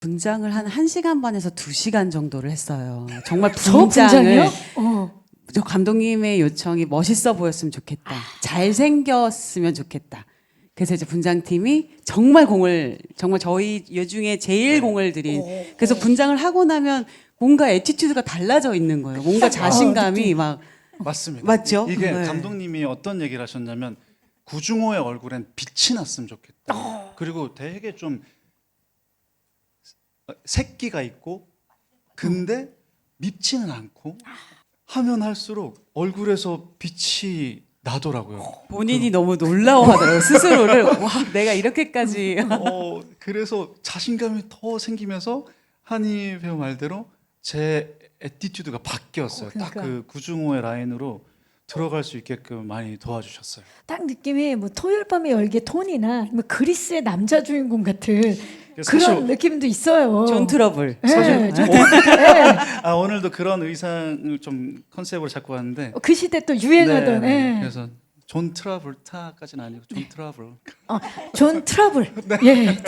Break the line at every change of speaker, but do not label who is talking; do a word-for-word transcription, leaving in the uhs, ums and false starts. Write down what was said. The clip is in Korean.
분장을 한 1시간 반에서 두 시간 정도를 했어요. 정말
저
분장을
분장이요? 어.
저 감독님의 요청이 멋있어 보였으면 좋겠다. 잘생겼으면 좋겠다. 그래서 이제 분장팀이 정말 공을 정말 저희 여 중에 제일
네.
공을 들인 그래서 분장을 하고 나면 뭔가 애티튜드가 달라져 있는 거예요. 뭔가 자신감이 막
맞습니다.
맞죠?
이게
네.
감독님이 어떤 얘기를 하셨냐면 구중호의 얼굴엔 빛이 났으면 좋겠다. 그리고 되게 좀 새끼가 있고 근데 밉지는 않고 하면 할수록 얼굴에서 빛이 나더라고요.
본인이 너무 놀라워하더라고요. 스스로를 와 내가 이렇게까지
어, 그래서 자신감이 더 생기면서 한희 배우 말대로 제 애티튜드가 바뀌었어요.
어, 그러니까.
딱 그 구중호의 라인으로 들어갈 수 있게끔 많이 도와주셨어요.
딱 느낌이 뭐 토요일 밤의 열기 톤이나 뭐 그리스의 남자 주인공 같은
그래서
그런
사실-
느낌도 있어요.
존 트러블.
네,
사실
존
오-
네.
아, 오늘도 그런 의상을 좀 컨셉으로 잡고 왔는데
그 시대 또 유행하던
네,
예.
그래서 존 트라블타까지는 아니고 존 트러블
어, 존 트러블.
네.
예.